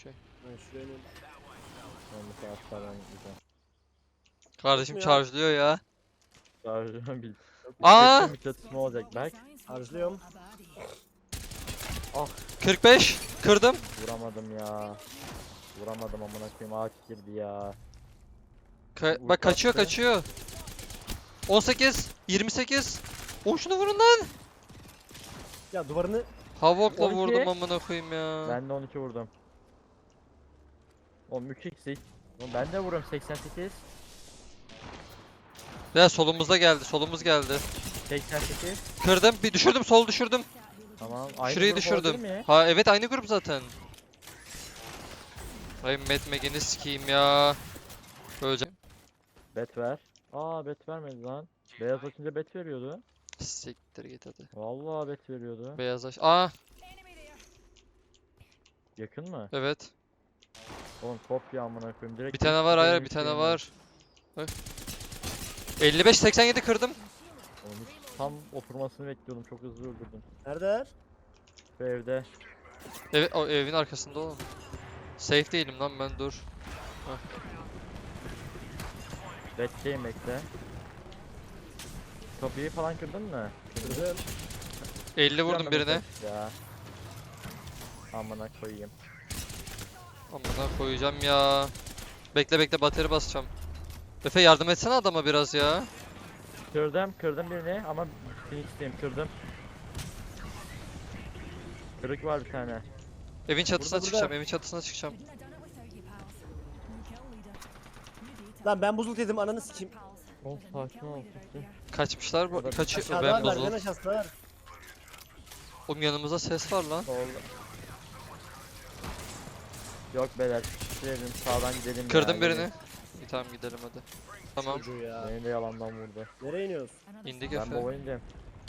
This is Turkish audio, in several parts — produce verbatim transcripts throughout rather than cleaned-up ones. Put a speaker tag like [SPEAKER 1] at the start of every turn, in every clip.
[SPEAKER 1] Okey.
[SPEAKER 2] Ben şuraya ineyim.
[SPEAKER 3] Ben bu taraflardan gideceğim.
[SPEAKER 1] Kardeşim
[SPEAKER 2] ya.
[SPEAKER 1] charge'lıyor ya.
[SPEAKER 3] Şarjım bil.
[SPEAKER 1] Aa!
[SPEAKER 3] Kesin bir çatışma olacak Berk.
[SPEAKER 2] Harcılıyorum.
[SPEAKER 1] kırk beş. Kırdım.
[SPEAKER 3] Vuramadım ya. Vuramadım amına koyayım, ağaç girdi ya.
[SPEAKER 1] Ka
[SPEAKER 3] Vur
[SPEAKER 1] bak kaçıyor
[SPEAKER 3] kalktı.
[SPEAKER 1] kaçıyor. on sekiz. yirmi sekiz. O şunu vurun lan.
[SPEAKER 2] Ya duvarını
[SPEAKER 1] Havok'la
[SPEAKER 3] on iki.
[SPEAKER 1] vurdum amına koyayım ya.
[SPEAKER 3] Ben de on iki vurdum. Oğlum üç x. Oğlum ben de vuruyorum seksen sekiz.
[SPEAKER 1] Ya solumuzda geldi. Solumuz geldi.
[SPEAKER 3] seksen sekiz.
[SPEAKER 1] Kırdım. Bir düşürdüm. Sol düşürdüm.
[SPEAKER 3] Tamam. Aynı
[SPEAKER 1] Şurayı
[SPEAKER 3] grup olabilir
[SPEAKER 1] düşürdüm.
[SPEAKER 3] mi?
[SPEAKER 1] Ha evet aynı grup zaten. Ay Mad Meg'ini sikeyim ya. Öleceğim.
[SPEAKER 3] Bet ver. Aa bet vermedi lan. Beyaz açınca bet veriyordu.
[SPEAKER 1] Siktir git hadi.
[SPEAKER 3] Vallahi bet veriyordu.
[SPEAKER 1] Beyazlaş. Aa
[SPEAKER 3] Yakın mı?
[SPEAKER 1] evet.
[SPEAKER 3] Oğlum kopya amına koyayım. Direkt
[SPEAKER 1] Bir tane var hayır
[SPEAKER 3] benim
[SPEAKER 1] bir tane
[SPEAKER 3] şeyim
[SPEAKER 1] var. Bak. elli beş seksen yedi kırdım.
[SPEAKER 3] Oğlum hiç tam oturmasını bekliyordum. Çok hızlı öldürdüm.
[SPEAKER 2] nerede?
[SPEAKER 3] Şu evde.
[SPEAKER 1] Evet o evin arkasında oğlum. Safe değilim lan ben dur.
[SPEAKER 3] Bekleyin bekle. Kapıyı falan kırdın mı?
[SPEAKER 2] Kırdım.
[SPEAKER 1] elli vurdum
[SPEAKER 3] Yanına
[SPEAKER 1] birine.
[SPEAKER 3] mesaj Ya. Amına koyayım.
[SPEAKER 1] Amına koyacağım ya. Bekle bekle bateri basacağım. Efe yardım etsene adama biraz ya.
[SPEAKER 3] Kırdım, kırdım birini ama Phoenix'teyim, kırdım. Kırık var bir tane.
[SPEAKER 1] Evin çatısına
[SPEAKER 2] Burada,
[SPEAKER 1] çıkacağım,
[SPEAKER 2] burada.
[SPEAKER 1] evin çatısına çıkacağım.
[SPEAKER 2] Lan ben buzul dedim ananı sikeyim.
[SPEAKER 3] Oğlum sakin ol. sakin.
[SPEAKER 1] Kaçmışlar bu
[SPEAKER 3] Burada
[SPEAKER 1] kaçıyor.
[SPEAKER 2] Aşağıda
[SPEAKER 1] Ben
[SPEAKER 2] var
[SPEAKER 1] bozul.
[SPEAKER 2] merdiven aşağısı var.
[SPEAKER 1] Oğlum yanımızda ses var lan.
[SPEAKER 3] Solda. Yok beyler, gidelim sağdan gidelim
[SPEAKER 1] Kırdım
[SPEAKER 3] ya.
[SPEAKER 1] birini. İyi tamam gidelim hadi. Tamam
[SPEAKER 2] Çocuğu ya.
[SPEAKER 3] Beni de yalandan vurdu.
[SPEAKER 2] Nereye iniyoruz?
[SPEAKER 1] indik
[SPEAKER 3] Ben
[SPEAKER 1] Efe.
[SPEAKER 3] baba indim.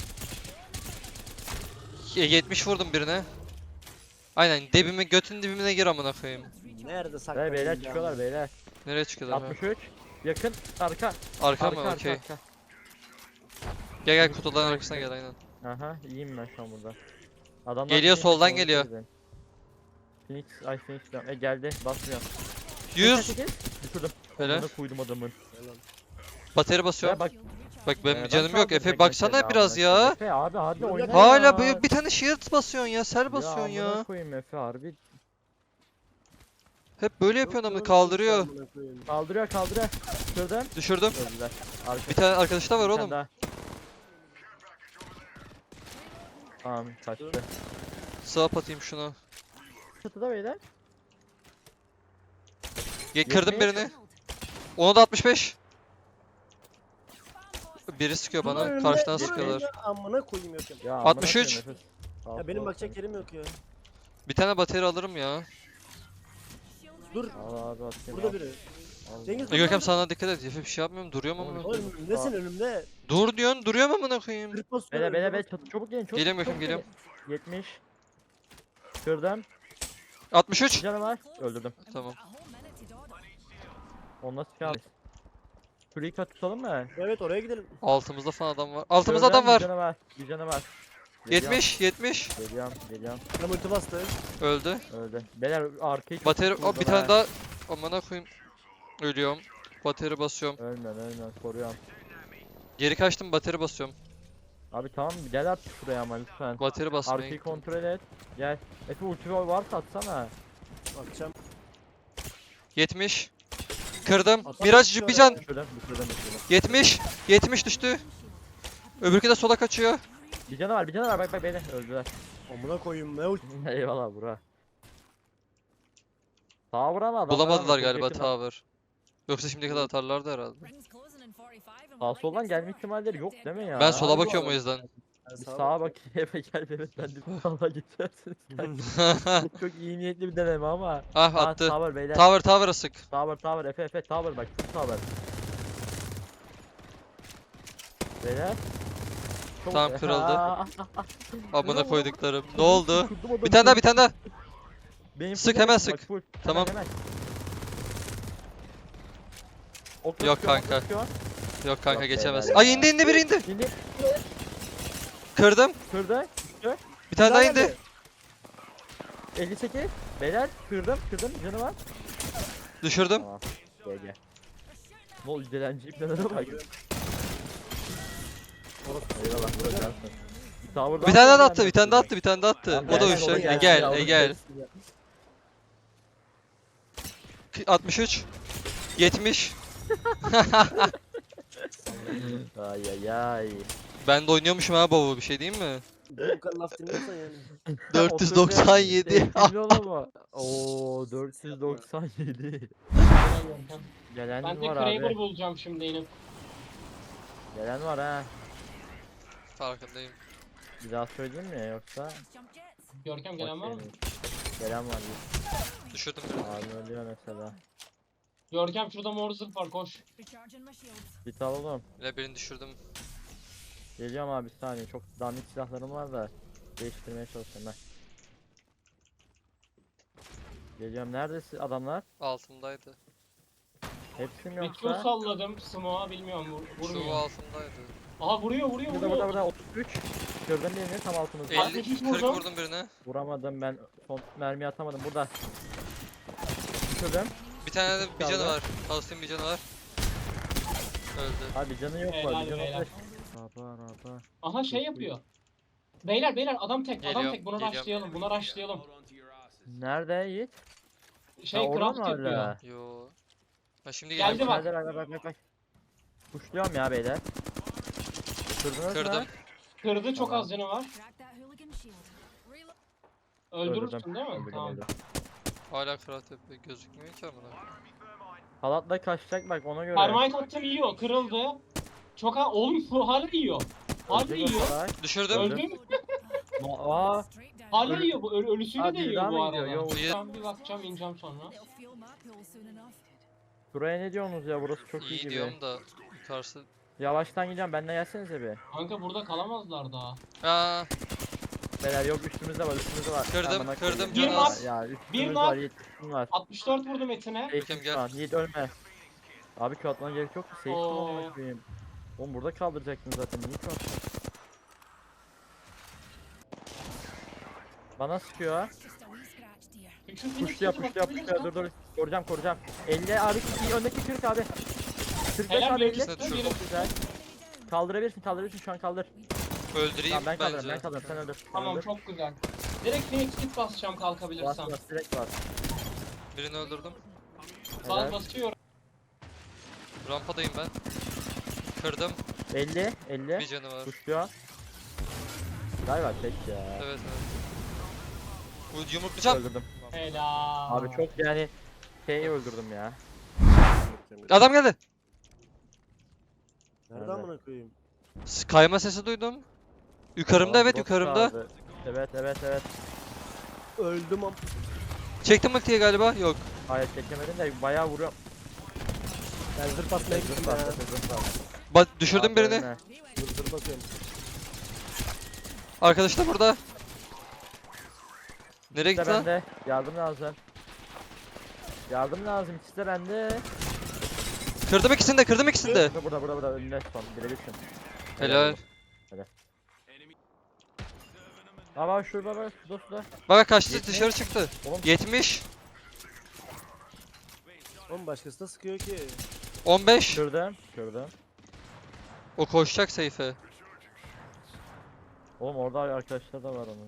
[SPEAKER 1] Ye- yetmiş vurdum birine. Aynen dibime götün dibine gir amına koyayım.
[SPEAKER 2] Nerede
[SPEAKER 3] Beyler,
[SPEAKER 2] saklanıyor?
[SPEAKER 3] beyler çıkıyorlar beyler.
[SPEAKER 1] Nereye çıkıyorlar? ha?
[SPEAKER 3] altmış üç. Yakın, arka.
[SPEAKER 1] Arka
[SPEAKER 3] Arka,
[SPEAKER 1] mı?
[SPEAKER 3] arka,
[SPEAKER 1] Okey.
[SPEAKER 3] arka.
[SPEAKER 1] Gel gel kutuların arkasına gel aynen.
[SPEAKER 3] Aha, iyiyim ben şu an burada. Adamlar
[SPEAKER 1] Geliyor,
[SPEAKER 3] Phoenix,
[SPEAKER 1] soldan
[SPEAKER 3] onu
[SPEAKER 1] geliyor.
[SPEAKER 3] söyledim. Phoenix, ay Phoenix diyorum. E geldi, basmıyor.
[SPEAKER 1] yüz.
[SPEAKER 3] seksen sekiz. Düşürdüm.
[SPEAKER 1] Böyle.
[SPEAKER 3] Amına koydum adamın.
[SPEAKER 1] bateri basıyorum.
[SPEAKER 3] Ya bak,
[SPEAKER 1] Bak benim
[SPEAKER 3] Ee,
[SPEAKER 1] canım
[SPEAKER 3] ben
[SPEAKER 1] yok.
[SPEAKER 3] saldım
[SPEAKER 1] Efe
[SPEAKER 3] tek
[SPEAKER 1] baksana
[SPEAKER 3] mesela
[SPEAKER 1] biraz
[SPEAKER 3] amına koyayım.
[SPEAKER 1] ya.
[SPEAKER 3] Efe abi hadi
[SPEAKER 2] Dur,
[SPEAKER 3] oyna.
[SPEAKER 1] Hala
[SPEAKER 3] ya.
[SPEAKER 1] bir, bir tane shield basıyorsun ya. Sel basıyorsun
[SPEAKER 3] Ya
[SPEAKER 1] ya.
[SPEAKER 3] amına koyayım Efe harbi.
[SPEAKER 1] Hep böyle yapıyorsun ama kaldırıyor.
[SPEAKER 3] Kaldırıyor kaldırıyor. Şuradan.
[SPEAKER 1] Düşürdüm.
[SPEAKER 3] Öldüler. Arka.
[SPEAKER 1] Bir tane arkadaş da var
[SPEAKER 3] bir tane
[SPEAKER 1] oğlum.
[SPEAKER 3] daha. Tamam kaçtı.
[SPEAKER 1] Swap atayım şunu.
[SPEAKER 3] Çatıda beyler.
[SPEAKER 1] Ge kırdım
[SPEAKER 3] Yetmiş.
[SPEAKER 1] birini. Ona da altmış beş. Biri sıkıyor
[SPEAKER 2] Dur
[SPEAKER 1] bana.
[SPEAKER 2] önümde,
[SPEAKER 1] Karşıdan
[SPEAKER 2] dur
[SPEAKER 1] sıkıyorlar.
[SPEAKER 2] önümde, Amına koyayım yok ya.
[SPEAKER 3] Ya amına
[SPEAKER 1] altmış üç.
[SPEAKER 3] koyayım Efe. Sağ
[SPEAKER 2] Ya benim
[SPEAKER 3] sol.
[SPEAKER 2] bakacak yerim yok ya.
[SPEAKER 1] Bir tane bateri alırım ya.
[SPEAKER 2] Dur
[SPEAKER 3] Al abi atayım.
[SPEAKER 2] burada
[SPEAKER 3] al.
[SPEAKER 2] biri.
[SPEAKER 3] Al.
[SPEAKER 2] Cengiz
[SPEAKER 1] E Görkem sana dikkat et. Efe bir şey yapmıyorum. Duruyorum amına koyayım.
[SPEAKER 2] Oğlum nesin önümde?
[SPEAKER 1] Dur diyorsun. Duruyorum amına koyayım.
[SPEAKER 2] Kırık basıyor.
[SPEAKER 3] Beyler beyler
[SPEAKER 2] önümde
[SPEAKER 3] beyler çatı çabuk gelin çabuk.
[SPEAKER 1] Geliyorum
[SPEAKER 3] çabuk
[SPEAKER 1] Görkem, geliyorum.
[SPEAKER 3] gelin. yetmiş. Kırdım.
[SPEAKER 1] altmış
[SPEAKER 3] Bir
[SPEAKER 1] üç.
[SPEAKER 3] canı var. Öldürdüm.
[SPEAKER 1] Tamam.
[SPEAKER 3] Onu nasıl çıkar? Şurayı kat tutalım mı?
[SPEAKER 2] Evet oraya gidelim.
[SPEAKER 1] Altımızda falan adam var. Altımızda
[SPEAKER 3] Kırdım,
[SPEAKER 1] adam var.
[SPEAKER 3] Bir canı var. Bir canı var. Geliyorum,
[SPEAKER 1] yetmiş. yetmiş.
[SPEAKER 3] Geliyorum geliyorum.
[SPEAKER 2] Ben ulti bastı.
[SPEAKER 1] Öldü.
[SPEAKER 3] Öldü. Beyler arkayı çok
[SPEAKER 1] Bateri.
[SPEAKER 3] tutturdum
[SPEAKER 1] O bir
[SPEAKER 3] ha.
[SPEAKER 1] tane daha. Amına koyayım. Ölüyorum. Bateri basıyorum.
[SPEAKER 3] Ölmem ölmem koruyorum.
[SPEAKER 1] Geri kaçtım bateri basıyorum.
[SPEAKER 3] Abi tamam gel artık şuraya ama lütfen.
[SPEAKER 1] Bateri basmaya
[SPEAKER 3] Arkayı
[SPEAKER 1] gittim.
[SPEAKER 3] kontrol et. Gel. Efe ulti varsa atsana.
[SPEAKER 2] Bakacağım.
[SPEAKER 1] yetmiş. Kırdım.
[SPEAKER 2] Atam
[SPEAKER 1] Miraç
[SPEAKER 2] düşüyor
[SPEAKER 1] bir can.
[SPEAKER 2] ya.
[SPEAKER 3] Düşürdüm düşürdüm düşürdüm.
[SPEAKER 1] yetmiş. yetmiş düştü. Öbürkü de sola kaçıyor.
[SPEAKER 3] Bir canı var bir canı var bak bak beni öldüler.
[SPEAKER 2] Amına koyayım ne ulti.
[SPEAKER 3] Eyvallah bura. Sağa vuran adam.
[SPEAKER 1] Bulamadılar galiba tower. Yoksa şimdiye kadar atarlardı herhalde.
[SPEAKER 3] Sağ soldan gelme ihtimalleri yok değil mi ya?
[SPEAKER 1] Ben sola
[SPEAKER 2] Abi bu
[SPEAKER 1] bakıyorum o
[SPEAKER 2] arada.
[SPEAKER 1] yüzden.
[SPEAKER 3] Bir sağa bak Efe gel evet ben de sola geçersiniz. çok, çok iyi niyetli bir deneme ama.
[SPEAKER 1] Ah
[SPEAKER 3] Aa,
[SPEAKER 1] attı.
[SPEAKER 3] Tower beyler.
[SPEAKER 1] Tower tower'a sık.
[SPEAKER 3] Tower tower Efe Efe tower bak full tower. Beyler. Çok-
[SPEAKER 1] Tamam, kırıldı.
[SPEAKER 3] Aa,
[SPEAKER 1] Amına koyduklarım. Ne oldu?
[SPEAKER 3] kırdım adamı.
[SPEAKER 1] Bir tane daha bir tane daha.
[SPEAKER 3] Benim
[SPEAKER 1] Sık,
[SPEAKER 3] full
[SPEAKER 1] hemen
[SPEAKER 3] bak,
[SPEAKER 1] sık.
[SPEAKER 3] full. Hemen,
[SPEAKER 1] Tamam.
[SPEAKER 3] hemen. Okla
[SPEAKER 1] Yok
[SPEAKER 3] sıkıyor, okla
[SPEAKER 1] kanka.
[SPEAKER 3] sıkıyor.
[SPEAKER 1] Yok kanka
[SPEAKER 3] Yok
[SPEAKER 1] geçemez.
[SPEAKER 3] beyler.
[SPEAKER 1] Ay indi indi biri indi.
[SPEAKER 3] Şimdi
[SPEAKER 1] Kırdım.
[SPEAKER 3] kırdı.
[SPEAKER 1] Bir tane daha
[SPEAKER 2] daha
[SPEAKER 1] indi.
[SPEAKER 2] geldi.
[SPEAKER 3] elli sekiz. Beyler kırdım kırdım canı var.
[SPEAKER 1] Düşürdüm.
[SPEAKER 3] Tamam. Gel gel. Ne oldu dilenci ipnelere bak. Eyvallah vuracaksın. Tower'dan
[SPEAKER 1] Bir tane daha
[SPEAKER 3] sonra
[SPEAKER 1] attı, bir tane daha attı, bir tane daha attı.
[SPEAKER 3] Tamam,
[SPEAKER 1] O da
[SPEAKER 3] gel,
[SPEAKER 1] uçacak.
[SPEAKER 3] gel,
[SPEAKER 1] E
[SPEAKER 3] gel,
[SPEAKER 1] gel,
[SPEAKER 3] gel,
[SPEAKER 1] e gel. altmış üç. yetmiş.
[SPEAKER 3] Ay ay ay.
[SPEAKER 1] Ben de oynuyormuşum ha baba, bir şey diyeyim mi?
[SPEAKER 2] Bu kadar laf dinliyorsan yani.
[SPEAKER 1] dört yüz doksan yedi.
[SPEAKER 3] Etkili oğlum o. Oo dört yüz doksan yedi. Gelen
[SPEAKER 4] Ben de
[SPEAKER 3] var
[SPEAKER 4] Kraber
[SPEAKER 3] abi.
[SPEAKER 4] bulacağım şimdi inip.
[SPEAKER 3] Gelen var ha.
[SPEAKER 1] Farkındayım.
[SPEAKER 3] Bir daha söyleyeyim mi yoksa?
[SPEAKER 4] Görkem gelen var mı?
[SPEAKER 3] Okey. Gelen var.
[SPEAKER 1] Düşürdüm birini.
[SPEAKER 3] Abi ölüyor mesela.
[SPEAKER 4] Görkem şurada mor zırh var koş.
[SPEAKER 3] Git al oğlum.
[SPEAKER 1] Yine birini düşürdüm.
[SPEAKER 3] Geliyorum abi bir saniye. Çok dandik silahlarım var da değiştirmeye çalışıyorum ben. Geliyorum. Neredesin adamlar?
[SPEAKER 1] Altımdaydı.
[SPEAKER 3] Hepsi mi
[SPEAKER 4] Bir Q
[SPEAKER 3] yoksa?
[SPEAKER 4] salladım smoke'a bilmiyorum vur,
[SPEAKER 1] Şu
[SPEAKER 4] vurmuyor.
[SPEAKER 1] altımdaydı.
[SPEAKER 4] Aha vuruyor vuruyor
[SPEAKER 3] Burada burada
[SPEAKER 4] vuruyor.
[SPEAKER 3] burada otuz üç. Kırdım birini tam altımızda.
[SPEAKER 1] elli,
[SPEAKER 4] altmış üç
[SPEAKER 1] kırk
[SPEAKER 4] vurdum.
[SPEAKER 1] vurdum birine.
[SPEAKER 3] Vuramadım ben. Son mermi atamadım. Burada. Kırdım.
[SPEAKER 1] Bir tane de bir canı
[SPEAKER 3] Kaldı.
[SPEAKER 1] var. Kalsın bir canı var. Öldü.
[SPEAKER 3] Abi canı yok
[SPEAKER 4] Helal
[SPEAKER 3] var. Bir canı
[SPEAKER 4] beyler.
[SPEAKER 3] var. Rapa rapa.
[SPEAKER 4] Aha şey yapıyor. Beyler beyler adam tek adam
[SPEAKER 1] Geliyorum,
[SPEAKER 4] tek buna
[SPEAKER 1] geliyorum.
[SPEAKER 4] rushlayalım buna rushlayalım.
[SPEAKER 3] Nerede Yiğit?
[SPEAKER 4] Şey
[SPEAKER 3] Ha, orada
[SPEAKER 4] craft
[SPEAKER 3] mı
[SPEAKER 4] yapıyor.
[SPEAKER 3] hala?
[SPEAKER 1] Yo. Ha şimdi
[SPEAKER 4] Geldi
[SPEAKER 1] geldi.
[SPEAKER 4] bak.
[SPEAKER 3] Nerede bak bak bak bak. Kuşluyorum ya beyler. Kırdınız
[SPEAKER 1] Kırdım.
[SPEAKER 3] mı?
[SPEAKER 4] Kırdı çok
[SPEAKER 3] Tamam.
[SPEAKER 4] az canı var. Öldürürsün değil mi?
[SPEAKER 3] Öldürdüm,
[SPEAKER 4] Tamam.
[SPEAKER 3] öldürdüm.
[SPEAKER 1] Hala kral tepe gözükmüyor ki amına.
[SPEAKER 3] Halatla kaçacak bak ona göre.
[SPEAKER 4] Termite attım yiyor kırıldı. Çok ha oğlum bu hala yiyor. Hala
[SPEAKER 3] Ölecek o
[SPEAKER 4] yiyor.
[SPEAKER 3] salak.
[SPEAKER 1] Düşürdüm.
[SPEAKER 3] Öldü.
[SPEAKER 4] Öldü mü?
[SPEAKER 3] Aa,
[SPEAKER 4] Hala
[SPEAKER 3] Ölü-
[SPEAKER 4] yiyor bu ölü, ölüsüyle
[SPEAKER 3] Aa,
[SPEAKER 4] de
[SPEAKER 3] biri
[SPEAKER 4] yiyor
[SPEAKER 3] daha
[SPEAKER 4] bu
[SPEAKER 3] mı gidiyor?
[SPEAKER 4] arada.
[SPEAKER 3] Yok.
[SPEAKER 4] Ben bir bakacağım ineceğim sonra.
[SPEAKER 3] buraya ne diyorsunuz ya burası çok iyi,
[SPEAKER 1] İyi
[SPEAKER 3] gibi.
[SPEAKER 1] diyorum da yukarısı.
[SPEAKER 3] Yavaştan gideceğim benden gelsenize bir.
[SPEAKER 4] Kanka burada kalamazlar daha.
[SPEAKER 1] Aa,
[SPEAKER 3] Beyler yok üstümüzde var üstümüzde var.
[SPEAKER 1] Kırdım,
[SPEAKER 3] Amına
[SPEAKER 1] kırdım,
[SPEAKER 3] koyayım.
[SPEAKER 4] Bir
[SPEAKER 3] Ya,
[SPEAKER 4] nak,
[SPEAKER 3] Ya
[SPEAKER 4] bir
[SPEAKER 3] üstümüz
[SPEAKER 4] nak.
[SPEAKER 3] var Yiğit üstüm var.
[SPEAKER 4] altmış dört vurdum etine.
[SPEAKER 3] Safe'im
[SPEAKER 1] gel.
[SPEAKER 3] şu an. Yiğit ölme. Abi Q atmana gerek yok ki. Safe'im
[SPEAKER 4] Oo.
[SPEAKER 3] amına koyayım. Oğlum burada kaldıracaktın zaten. Niye Q attın? Bana sıkıyor ha.
[SPEAKER 4] Şu Phoenix
[SPEAKER 3] Puşluyor
[SPEAKER 4] kılıcı bak,
[SPEAKER 3] puşluyor
[SPEAKER 4] Phoenix
[SPEAKER 3] puşluyor
[SPEAKER 4] bak.
[SPEAKER 3] dur dur. Koruyacağım koruyacağım. elli abi iyi öndeki kırk abi. kırk beş
[SPEAKER 4] Helal
[SPEAKER 3] abi
[SPEAKER 4] bir
[SPEAKER 3] elli.
[SPEAKER 4] ikisi de
[SPEAKER 1] düşürdüm.
[SPEAKER 3] Çok güzel. Kaldırabilirsin kaldırabilirsin şu an kaldır.
[SPEAKER 1] öldüreyim
[SPEAKER 3] Tamam ben kaldırırım
[SPEAKER 1] bence.
[SPEAKER 3] ben kaldırırım sen öldür. Sen
[SPEAKER 4] Tamam
[SPEAKER 3] öldür.
[SPEAKER 4] çok güzel. Direkt Phoenix kit basacağım
[SPEAKER 3] Bas
[SPEAKER 4] kalkabilirsem.
[SPEAKER 3] bas direkt bas.
[SPEAKER 1] Birini öldürdüm.
[SPEAKER 4] Sağ
[SPEAKER 3] Helal.
[SPEAKER 4] basıyorum.
[SPEAKER 1] Rampadayım ben. Kırdım.
[SPEAKER 3] elli elli.
[SPEAKER 1] Bir canı var.
[SPEAKER 3] Puşluyor. Galiba tek ya.
[SPEAKER 1] Evet evet. Bu yumruklayacağım.
[SPEAKER 3] Öldürdüm.
[SPEAKER 4] Helal.
[SPEAKER 3] Abi çok yani şeyi öldürdüm ya.
[SPEAKER 1] Adam geldi.
[SPEAKER 2] Nerede
[SPEAKER 3] Nerede?
[SPEAKER 2] amına koyayım?
[SPEAKER 1] S- Kayma sesi duydum. Yukarımda
[SPEAKER 3] Aa,
[SPEAKER 1] evet
[SPEAKER 3] bot
[SPEAKER 1] yukarımda.
[SPEAKER 3] kaldı. Evet evet evet.
[SPEAKER 2] Öldüm am.
[SPEAKER 1] Çektim ultiyi galiba. Yok.
[SPEAKER 3] Hayır çekemedim de bayağı vuruyor.
[SPEAKER 2] Ben zırh basmaya
[SPEAKER 3] Zırh
[SPEAKER 2] gittim
[SPEAKER 3] bas,
[SPEAKER 2] ya.
[SPEAKER 3] zırh bas.
[SPEAKER 1] Ba düşürdüm
[SPEAKER 3] Abi
[SPEAKER 1] birini.
[SPEAKER 3] ölme.
[SPEAKER 2] Zırh zırh basıyorum.
[SPEAKER 1] Arkadaş da burada. Nereye
[SPEAKER 3] İkisi de
[SPEAKER 1] gitti lan?
[SPEAKER 3] bende. Yardım lazım. Yardım lazım. İkisi de bende.
[SPEAKER 1] Kırdım ikisini de, kırdım ikisini de.
[SPEAKER 3] Burada burada burada, burada önünde son. Birebirsin.
[SPEAKER 1] Helal.
[SPEAKER 3] Ama şurada bak şurada şurada.
[SPEAKER 1] Bak kaçtı,
[SPEAKER 3] Yetmiş.
[SPEAKER 1] dışarı çıktı.
[SPEAKER 3] Oğlum
[SPEAKER 1] yetmiş.
[SPEAKER 2] Oğlum başkası da sıkıyor ki.
[SPEAKER 1] on beş.
[SPEAKER 3] kırdım. Kırdım.
[SPEAKER 1] O koşacak Seyfe.
[SPEAKER 3] Oğlum orada arkadaşlar da var onun.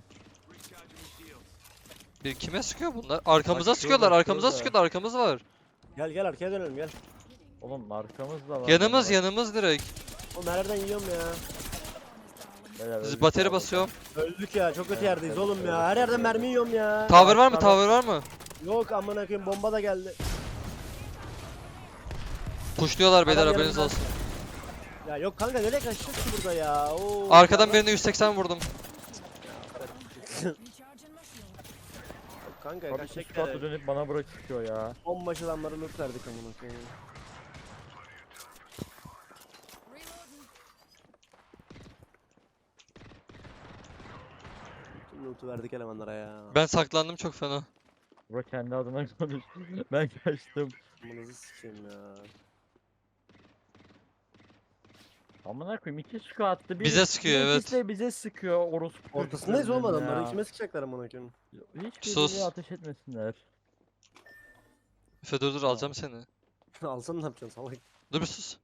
[SPEAKER 1] Bir kime sıkıyor bunlar? Arkamıza
[SPEAKER 3] Bak
[SPEAKER 1] sıkıyorlar,
[SPEAKER 3] şurada,
[SPEAKER 1] arkamıza
[SPEAKER 3] şurada.
[SPEAKER 1] sıkıyorlar, arkamız var.
[SPEAKER 2] Gel gel arkaya dönelim gel.
[SPEAKER 3] Oğlum arkamızda var.
[SPEAKER 1] Yanımız,
[SPEAKER 3] Bak,
[SPEAKER 1] yanımız direkt.
[SPEAKER 2] Oğlum nereden yiyorum ya?
[SPEAKER 3] beyler öldük
[SPEAKER 1] Bateri
[SPEAKER 3] ya
[SPEAKER 1] basıyorum.
[SPEAKER 2] Öldük ya çok kötü
[SPEAKER 3] Evet,
[SPEAKER 2] yerdeyiz
[SPEAKER 3] evet,
[SPEAKER 2] oğlum
[SPEAKER 3] evet,
[SPEAKER 2] ya. Her yerden mermi yiyorum ya.
[SPEAKER 1] Tower var mı?
[SPEAKER 3] Tamam.
[SPEAKER 1] Tower var mı?
[SPEAKER 2] Yok amına koyayım bomba da geldi.
[SPEAKER 1] Pushluyorlar beyler,
[SPEAKER 2] Adam
[SPEAKER 1] haberiniz
[SPEAKER 2] yanımda.
[SPEAKER 1] olsun.
[SPEAKER 2] Ya yok kanka nereye kaçacağız ki burada ya? Oo,
[SPEAKER 1] Arkadan
[SPEAKER 2] ya
[SPEAKER 1] birine yüz seksen vurdum.
[SPEAKER 2] Yok kanka
[SPEAKER 3] Abi
[SPEAKER 2] kaçacak
[SPEAKER 3] şu atı
[SPEAKER 2] yere.
[SPEAKER 3] dönüp bana bırakıyor ya.
[SPEAKER 2] Bombaşı adamları loot verdik amına koyayım. Bütün loot'u verdik elemanlara ya.
[SPEAKER 1] Ben saklandım çok fena.
[SPEAKER 3] Bro kendi adına konuş. Ben kaçtım.
[SPEAKER 2] Amınızı sikeyim ya.
[SPEAKER 3] Amına koyayım iki sıkı attı. Bir,
[SPEAKER 1] Bize sıkıyor,
[SPEAKER 3] bir
[SPEAKER 1] evet.
[SPEAKER 3] ikisi de bize sıkıyor orospu.
[SPEAKER 2] Ortasındayız
[SPEAKER 3] çocuklarının
[SPEAKER 2] oğlum adamların.
[SPEAKER 3] ya.
[SPEAKER 2] Kime sıkacaklar amına koyayım?
[SPEAKER 3] Hiçbir
[SPEAKER 1] Sus.
[SPEAKER 3] yere ateş etmesinler.
[SPEAKER 1] Efe dur dur alacağım seni.
[SPEAKER 2] Alsam ne yapacaksın salak?
[SPEAKER 1] Dur bir sus.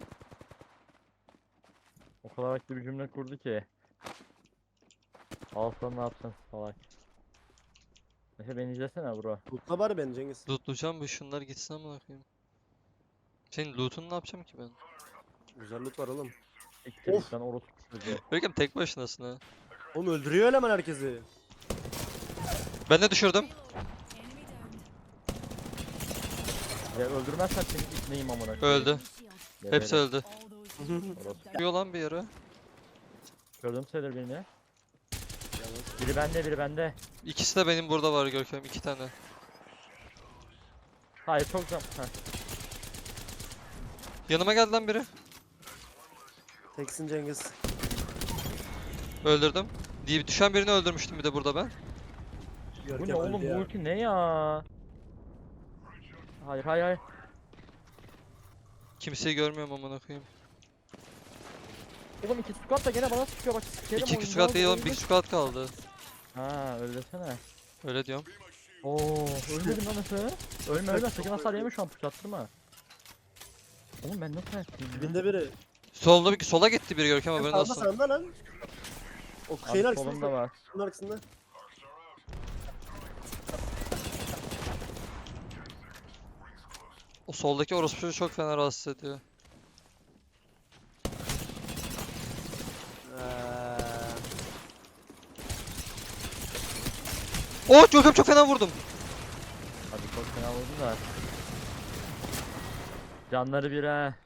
[SPEAKER 3] O kadar haklı bir cümle kurdu ki. Alsan ne yapacaksın salak. Neyse beni izlesene bro.
[SPEAKER 2] Mutla bari beni Cengiz.
[SPEAKER 1] Lootlayacağım bu şunlar gitsin amına koyayım. Senin loot'unu ne yapacağım ki ben?
[SPEAKER 2] Güzel loot var oğlum.
[SPEAKER 3] İktir
[SPEAKER 2] Of.
[SPEAKER 3] sen orospu çocuğu.
[SPEAKER 1] Görkem tek başınasın ha.
[SPEAKER 2] Oğlum öldürüyor eleman herkesi.
[SPEAKER 1] Ben de düşürdüm.
[SPEAKER 3] Ya öldürmezsen seni gitmeyeyim amına koyayım.
[SPEAKER 1] Öldü.
[SPEAKER 3] Geberim.
[SPEAKER 1] Hepsi öldü.
[SPEAKER 3] Orospu.
[SPEAKER 1] Çıkıyor lan bir yere.
[SPEAKER 3] Gördüm sayılır birini. Biri bende biri bende.
[SPEAKER 1] İkisi de benim burada var Görkem. iki tane.
[SPEAKER 3] Hayır çok zam. Heh.
[SPEAKER 1] Yanıma geldi lan biri.
[SPEAKER 2] Teksin Cengiz.
[SPEAKER 1] Öldürdüm. Diye düşen birini öldürmüştüm bir de burada ben.
[SPEAKER 3] Bu
[SPEAKER 2] Görkem
[SPEAKER 3] ne oğlum
[SPEAKER 2] öldü
[SPEAKER 3] bu
[SPEAKER 2] ya.
[SPEAKER 3] ulti ne ya? Hayır hayır hayır.
[SPEAKER 1] Kimseyi görmüyorum amına koyayım.
[SPEAKER 3] Oğlum iki squat da gene bana sıkıyor bak sikerim
[SPEAKER 1] İki
[SPEAKER 3] oyunu,
[SPEAKER 1] squad değil oğlum,
[SPEAKER 3] öldü.
[SPEAKER 1] bir squad kaldı.
[SPEAKER 3] Ha öyle desene.
[SPEAKER 1] Öyle diyorum.
[SPEAKER 3] Oo ölmedim lan Efe. Ölme ölme sakın hasar yeme şu an pıçattırma. Oğlum ben nasıl yaptım ya?
[SPEAKER 2] Dibinde biri.
[SPEAKER 1] Solda bir sola gitti biri Görkem haberin
[SPEAKER 2] Sağda
[SPEAKER 1] olsun.
[SPEAKER 2] sağında lan. O şeyin
[SPEAKER 3] Abi
[SPEAKER 2] arkasında.
[SPEAKER 3] solunda var.
[SPEAKER 2] Şunun arkasında.
[SPEAKER 1] O soldaki orospu çocuğu çok fena rahatsız ediyor.
[SPEAKER 2] Eee,
[SPEAKER 1] Oh Görkem çok fena vurdum.
[SPEAKER 3] Hadi çok fena oldu da. Canları bir ha.